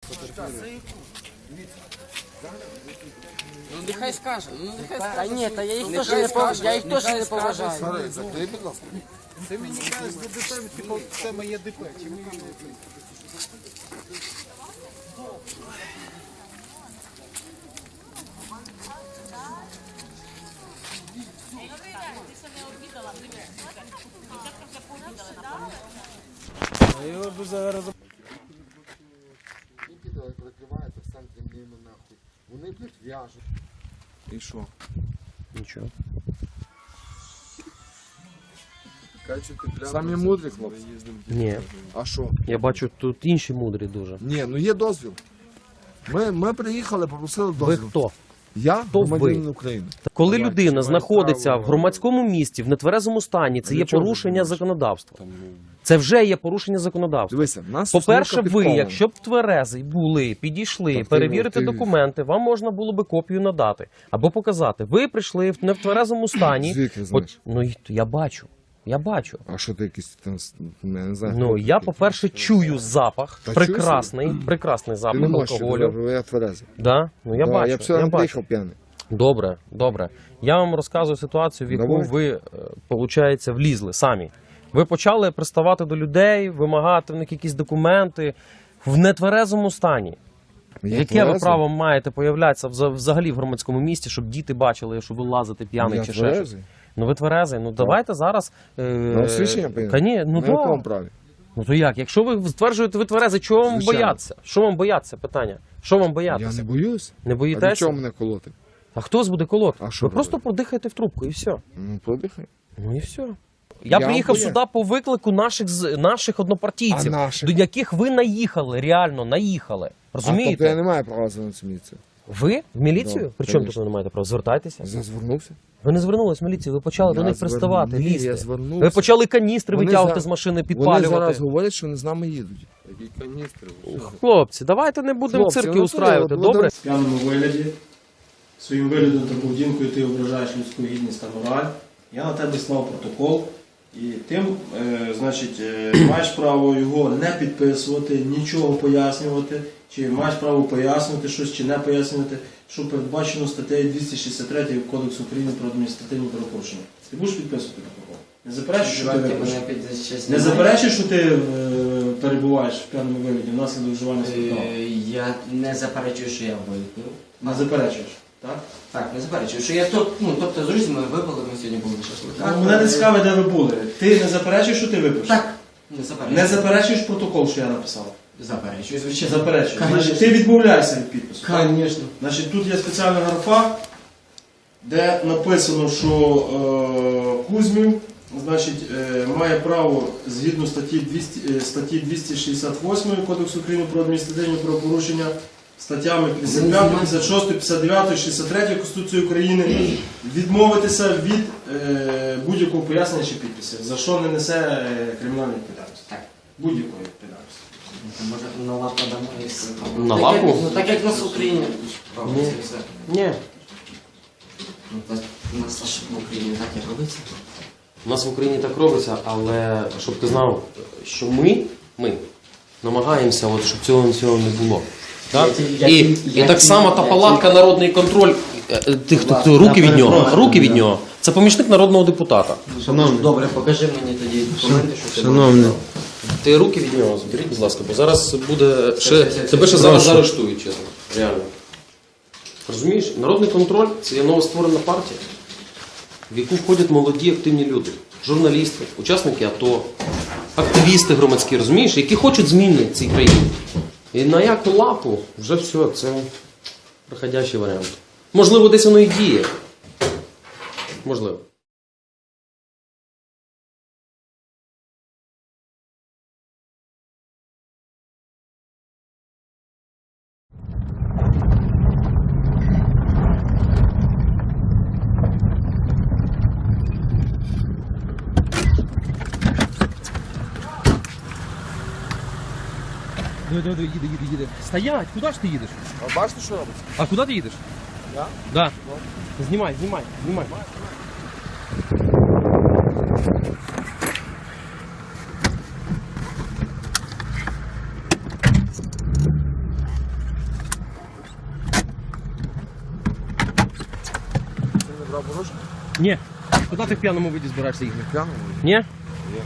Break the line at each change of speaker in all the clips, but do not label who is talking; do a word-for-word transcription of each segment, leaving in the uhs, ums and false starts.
Ну нехай скаже, ну нехай скаже.
Та ні, та я їх теж не поважаю. Я їх теж не поважаю.
Старий, закрий, будь ласка.
Ти мені кажеш, до ДП, типу, це моє ДП. Чи ми...
Нікіта прикривається в центрі мліну нахуй. Вони, блядь, в'яжуть. І що?
Нічого.
Самі мудрі хлопці.
Ні.
А що?
Я бачу, тут інші мудрі дуже.
Ні, ну є дозвіл. Ми, ми приїхали, попросили
Ви
дозвіл.
хто?
Я
Хто ви?
громадянин України.
Коли
Давай,
людина
маєш
знаходиться
право.
в громадському місті, в нетверезому стані, це
А
є
для чого
порушення
ти думаєш?
законодавства. Це вже є порушення законодавства.
Дивися, в нас
По-перше,
сосновка
ви,
підкована.
якщо б тверезий були, підійшли,
Так ти-
перевірити
ти-
документи, вам можна було би копію надати або показати. Ви прийшли в нетверезому стані.
Звідки
От,
знаєш?
ну і я бачу. Я бачу.
А що ти якийсь там, я не знаю.
Ну
хто
я,
такий?
по-перше, чую запах.
Та
прекрасний, прекрасний
Ти
запах
не можеш,
алкоголю.
я тверезий.
Да? Ну я
Да,
бачу.
я б все
я
не
бачу.
приїхав п'яний.
Добре, добре. Я вам розказую ситуацію, в яку
Давай.
ви, виходить, влізли самі. Ви почали приставати до людей, вимагати в них якісь документи в нетверезому стані.
Я
Яке ви
тверезий.
право маєте появлятися вза- взагалі в громадському місті, щоб діти бачили, що ви лазите п'яний
Я
чи ще щось?
тверезий.
Ну ви тверезий, ну давайте зараз. Е,
На освічення поїду?
Коні- ну,
На якому
да.
праві?
ну то як? Якщо ви стверджуєте, ви тверезий, чого вам
Звичайно.
боятися? Що вам боятися? Питання. Що вам
Я
боятися?
не боюсь.
Не
А для
боїтеся?
чого мене колоти?
А хто з буде колоти?
А що
ви просто
робити?
продихайте в трубку і все.
Ну, подихай.
Ну і все. Я,
Я
приїхав
боюсь.
сюди по виклику наших з- наших однопартійців,
А наших?
до яких ви наїхали, реально наїхали.
А тобто я
Розумієте?
не маю права за цю міліцію.
Ви в міліцію?
Да,
При чому
конечно.
тут ви не маєте права? Звертайтеся.
Зазвернувся.
Ви не звернулись в міліцію, ви почали до
Я
них
звер-
приставати,
Ні,
лізти.
я звернувся.
Ви почали каністри
Вони
витягувати
за-
з машини,
Вони
підпалювати.
зараз говорять, що вони з нами їдуть.
Хлопці, давайте не будемо
Хлопці,
цирки
ну,
устраювати,
то-
добре?
В п'яному вигляді, своїм виглядом та поведінкою ти ображаєш людську гідність та мораль. Я на тебе склав протокол, і тим, е, значить, е, маєш право його не підписувати, нічого пояснювати, чи маєш право пояснювати щось, чи не пояснювати, що передбачено статтею двісті шістдесят три Кодексу України про адміністративні правопорушення. Ти будеш підписувати протокол? Не заперечуєш, що ти випишеш? Не заперечуєш, що ти е, перебуваєш в п'яному вигляді внаслідок вживання спиртного?
Е, Я не заперечую, що я випив.
Не заперечуєш, так?
Так, не заперечую, що я тут, ну, тобто з друзями випили, ми сьогодні були на шашликах.
Ну, мене не цікавить, де ви були. Ти не заперечуєш, що ти випиш?
Так, не заперечую.
Не заперечуєш протокол, що я написав?
Заперечую, звичайно.
Заперечуєш.
Конечно.
Значить, ти відмовляєшся від підпису. так?
Звісно.
Значить, тут є спеціальна графа, де написано, що е, Кузьмів, значить, е, має право згідно статті, двісті, е, статті двісті шістдесят вісім Кодексу України про адміністративні правопорушення, статтями п'ятдесят п'ять, п'ятдесят шість, п'ятдесят дев'ять, шістдесят три Конституції України відмовитися від е, будь-якого пояснення чи підписів, за що не несе е, кримінальної відповідальності.
Так.
Будь-якої відповідальності.
Може, на лапу дамо і все.
На
Так,
лапу?
як- Ну, так як в нас в Україні.
Ні.
Це все.
Ні.
Ну, так, у нас аж в Україні так і робиться.
У нас в Україні так робиться, але щоб ти знав, що ми, ми намагаємося, от, щоб цього всього не було. Так?
Я-
І,
я-
і
я-
так само та
я-
палатка народний контроль, е, е, тих, хто хто руки від нього, руки від нього, це помічник народного депутата.
Шановний. Добре, покажи мені тоді документи, що ти
Шановний.
можеш.
Ти руки від нього зберіть, будь ласка, бо зараз буде ще,
це- це-
тебе ще
це-
зараз
прошу.
заарештують, чесно. Реально. Розумієш, народний контроль це є новостворена партія, в яку входять молоді активні люди, журналісти, учасники АТО, активісти громадські, розумієш, які хочуть зміни в цій країні. І на яку лапу вже все, це проходящий варіант. Можливо, десь воно і діє. Можливо. Диви, диви, диви, їде, їде, їде. Стоять, куди ж ти їдеш?
А бачите, що робиться?
А куди ти їдеш?
Я?
Да. Знімай, знімай, знімай.
правопорушення?
Ні. Куди ти в п'яному виді збираєшся їхати?
П'яному?
Ні? Ні.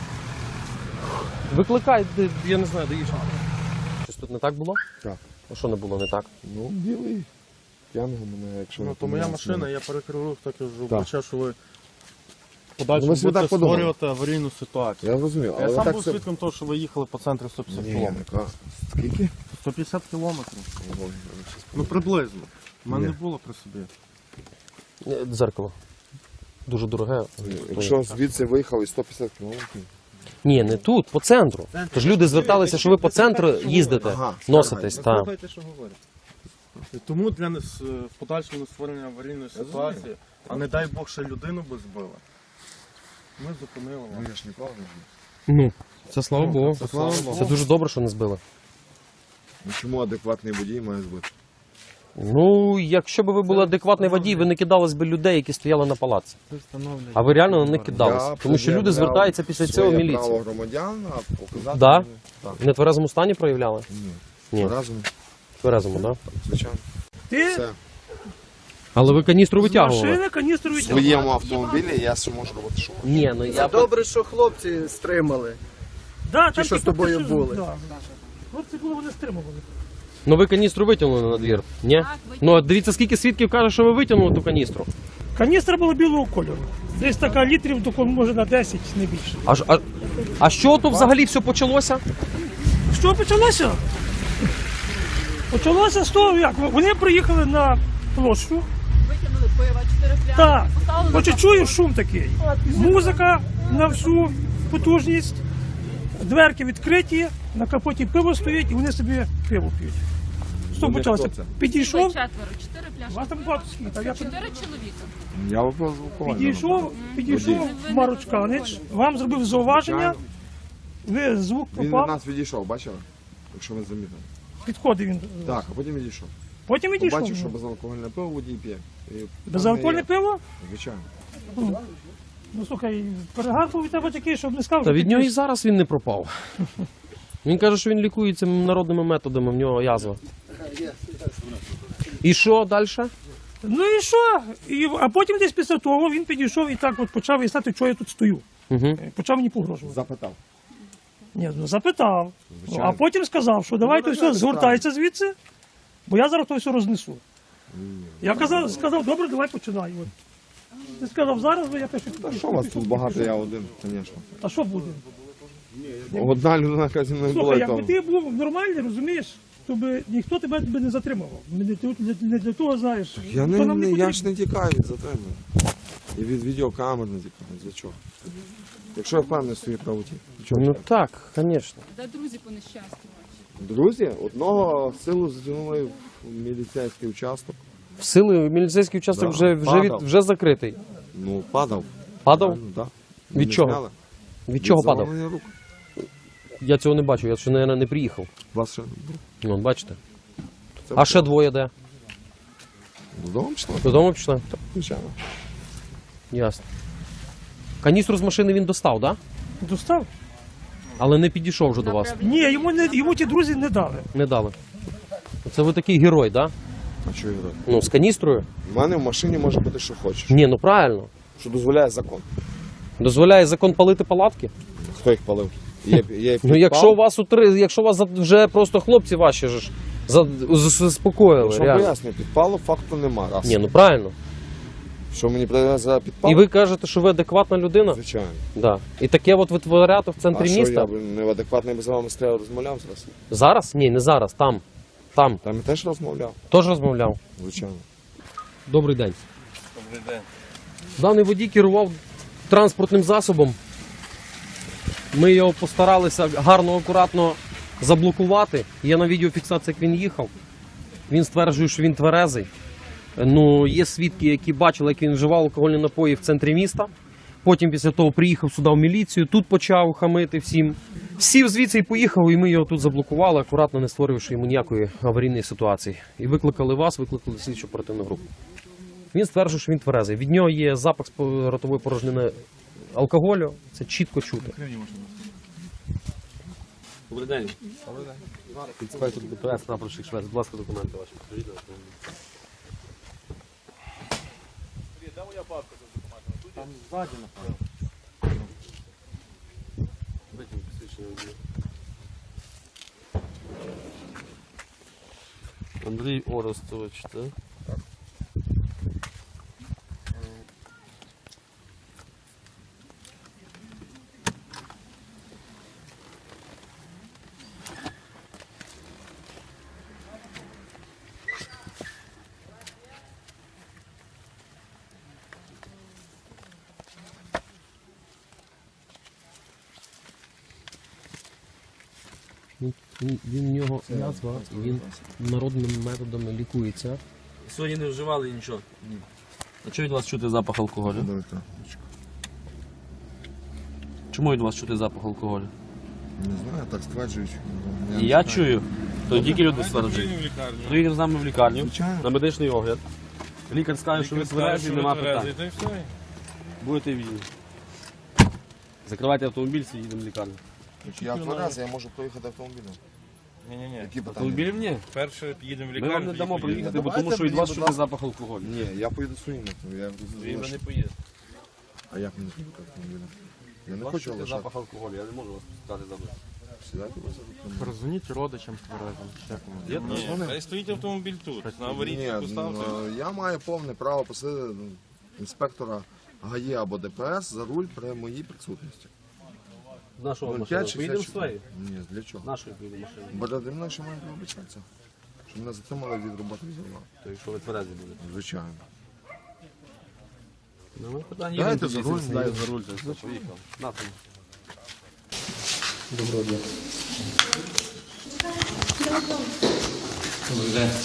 Викликай, де- я не знаю, доїжджай. Щось тут не так було?
Так.
А що не було не так?
Ну, білий. П'яного мене, якщо
Ну,
не
то моя
помиляюсь,
машина, я перекрив рух, так кажу,
Так.
бачу, що ви
Ну,
подальше
ви собі
будете
так подумали.
створювати аварійну ситуацію.
Я зрозумів,
Я
але
сам
так
був
це...
свідком того, що ви їхали по центрі сто п'ятдесят
Ні,
кілометрів.
яка? Скільки?
сто п'ятдесят кілометрів.
Ого,
Ну, приблизно. У мене
Ні.
не було при собі.
Е, Дзеркало. Дуже дороге.
Якщо звідси виїхали сто п'ятдесят кілометрів.
Ні, не тут, по центру. Тож люди зверталися, що ви по центру їздите,
Ага,
носитесь. Та.
Слухайте, що говорять. І тому для нас е, в подальшому створення аварійної ситуації, а не дай Бог, ще людину би збили. Ми зупинили
Ну
вас.
я ж ніколи не знаю.
Ну, це слава Богу.
Це слава Богу.
Це дуже добре, що не збили.
Ну чому адекватний водій має збити?
Ну, якщо б ви були адекватний водій, ви не кидались би людей, які стояли на палаці. А ви реально на них кидались. Тому що люди звертаються після цього в
своє
міліцію.
право громадян, а показати...
Да?
мені- Так.
В нетверезому стані проявляли?
Ні.
Ні.
Разом,
В тверезому, так?
звичайно.
Ти
Все.
Але ви каністру витягували?
машини каністру
В
витягнув.
своєму автомобілі я ще можу робити що.
Ні, ну я...
Добре, що хлопці стримали.
Да,
Ті, що з тобою були.
Да. Хлопці були, вони стримували.
Ну ви каністру витягнули на двір, ні? Ну от дивіться, скільки свідків каже, що ви витягнули ту каністру.
Каністра була білого кольору. Десь така літрів, тако, може на десять, не більше.
А, ж- а, а що то взагалі все почалося?
Що почалося? Почалося з того, як вони приїхали на площу.
Витягнули пива, чотири пляшки,
Так,
поставили
хоче
на
чую шум такий. Музика на всю потужність, дверки відкриті, на капоті пиво стоїть і вони собі пиво п'ють. Що почалося?
хто це?
Підійшов.
четверо, чотири
У
пляшки.
вас там багато скільки? А я
Чотири чоловіка.
Я випадково.
Підійшов, підійшов Марочканич, вам зробив зауваження, ви звук
Він від
попав,
нас відійшов, бачили? Якщо ви замітили.
підходив він.
Так, а потім відійшов.
Потім відійшов.
Побачив, що безалкогольне пиво водій п'є. І
Безалкогольне
там не є.
пиво?
Звичайно.
Ну слухай, перегар був від тебе такий, щоб не сказав,
Та
що
від
ти
нього і
п'єш.
зараз він не пропав. Він каже, що він лікується народними методами, в нього язва. І що далі?
Ну і що? І, а потім десь після того він підійшов і так от почав виясняти, чого я тут стою.
Угу.
Почав мені погрожувати.
Запитав.
Ні, ну запитав. Ну,
Звичайно.
а потім сказав, що давайте все, згортайся звідси, бо я зараз то все рознесу. Я казав, сказав, добре, давай починай. От. Ти сказав, зараз, бо я пишу.
Та що вас тут багато, я один, звісно.
А що буде?
Одна людина, яка зі мною була,
Слухай,
і
якби
то.
ти був нормальний, розумієш, то би ніхто тебе би не затримував. Ми не, тут не, не для того, знаєш.
Я,
то
не,
нам
не, я
потрібно.
ж не тікаю від затримання. І від відеокамер не тікаю. Для чого? Якщо я впевнений в своїй правоті. для чого
Ну
тікати?
так, звісно.
Де друзі по нещастю ваші?
Друзі, одного силу затягнули в міліцейський участок.
В сили міліцейський участок
Да,
вже, вже, від,
падав.
вже закритий.
Ну, падав.
Падав?
Правильно, да.
Від
Мене
чого?
зняли.
Від чого падав?
заламаних рук.
Я цього не бачу, я ще, мабуть, не приїхав.
Вас ще
Ну, от бачите.
це
А ще двоє де?
додому пішли?
Додому пішли?
Звичайно.
Ясно. Каністру з машини він достав, так? Да?
Достав?
Але не підійшов вже до вас.
Ні, йому, не, йому ті друзі не дали.
Не дали. Це ви такий герой, так? Да?
А що я роблю?
Ну, з каністрою?
У мене в машині може бути, що хочеш.
Ні, ну правильно.
Що дозволяє закон.
Дозволяє закон палити палатки?
Хто їх палив? Є, є
Ну,
підпал.
якщо у вас утри, якщо у вас за- вже просто хлопці ваші ж за- з- заспокоїли,
Що
реально.
пояснюю, підпалу факту нема. Раз.
Ні, ну правильно.
Що мені прийде за підпал?
І ви кажете, що ви адекватна людина?
Звичайно.
Да. І таке от витворяти в
А
центрі
що,
міста?
я б неадекватний би з вами стояв розмовляв зараз?
Зараз? Ні, не зараз, там. Там.
Там я теж розмовляв,
Теж розмовляв.
звичайно.
Добрий день. Добрий день. Даний водій керував транспортним засобом. Ми його постаралися гарно, акуратно заблокувати. Є на відеофіксації, як він їхав. Він стверджує, що він тверезий. Ну, є свідки, які бачили, як він вживав алкогольні напої в центрі міста. Потім після того приїхав сюди в міліцію, тут почав хамити всім. Сів звідси і поїхав, і ми його тут заблокували, акуратно не створювавши йому ніякої аварійної ситуації. І викликали вас, викликали слідчу оперативну групу. Він стверджує, що він тверезий. Від нього є запах з ротової порожнини алкоголю, це чітко чути. Добрий день. Добрий день. Інспектор ДПС, прапорщик Швець. Будь ласка, документи ваші.
Там ззаді, напевно.
Витягни посвідчення водія. Андрій Орестович, так? Він, він в нього язва, він народними методами лікується.
Сьогодні не вживали нічого? Ні. А чого від вас чути запах алкоголю? Чому від вас чути запах алкоголю?
Не знаю, так стверджують.
І я чую, то тільки люди стверджують. Приїдемо з нами в лікарню,
Звичайно.
на медичний огляд. Лікар скаже, що ви тверезі, нема питань. Будете вільні. Закривайте автомобіль, їдемо в лікарню.
Я тверезий, я можу проїхати автомобілем.
Ні-ні-ні.
Які питання?
Автомобілів ні.
Перше їдемо в
Ми
лікарню.
вам не дамо
тоді
проїхати, бо
Давайте
тому що від
мені,
вас
будь
чути
ласка.
запах алкоголю.
Ні, я поїду своїм авто. Я
Ви
залишу.
не поїдете.
А як мені поїхати автомобілем? Я не
Вас
хочу
чути
лишати.
запах алкоголю, я не можу вас пускати за мною.
Сідайте вас автомобілем.
Перезвоніть родичам тверезим. Як воно?
Є?
Ні,
Хай стоїть автомобіль тут, на аварійці
Ні,
поставте.
ну, я маю повне право посадити ну, інспектора ГАІ або ДПС за руль при моїй присутності.
З нашого
Ну,
машини.
п'ять чи
Поїдемо з
шість?
твоєї?
Ні, для чого?
Нашої поїдемо машини.
Бо для мною ще мають вибачатися. Що мене затримали від роботи взяла.
То якщо ви тверезі будете.
Звичайно.
Ну, ми питання
Дайте
їдемо,
за руль,
сідаю
їдемо.
за руль, то все, поїхав. На тому.
Доброго дня.
Добрий день.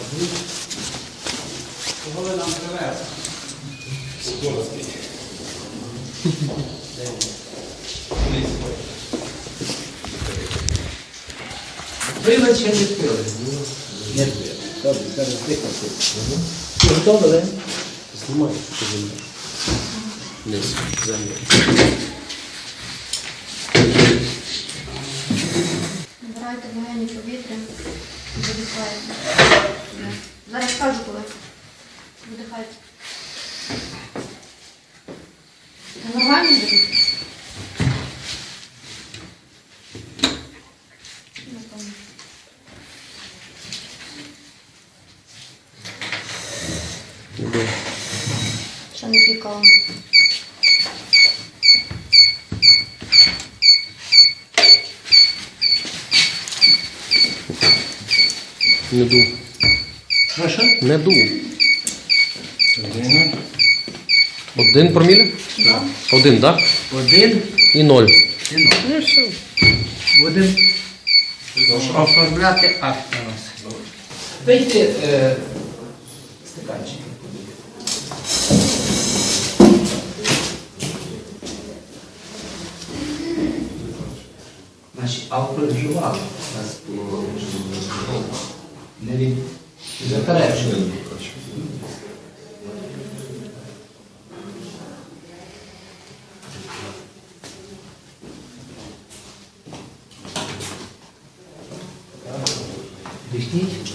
Кого ви нам привезли? Пили чи не пили? Не пили. Добре, зараз дихати. Готові?
Знімай, що земля. Низ, землю.
Набирайте легені повітря, видихайте. Зараз скажу коли. Видихайте. Та нормально буде? Напевно. Ще не пікало.
Не ду.
Що, що?
Не ду. Один проміля? Один, так?
Один
І ноль.
і ноль. Ну все. Будемо оформляти акт на нас. Вийти е, стаканчики. Значить, алкоголь вживали. У нас було ну, не від заперечення. Дихніть.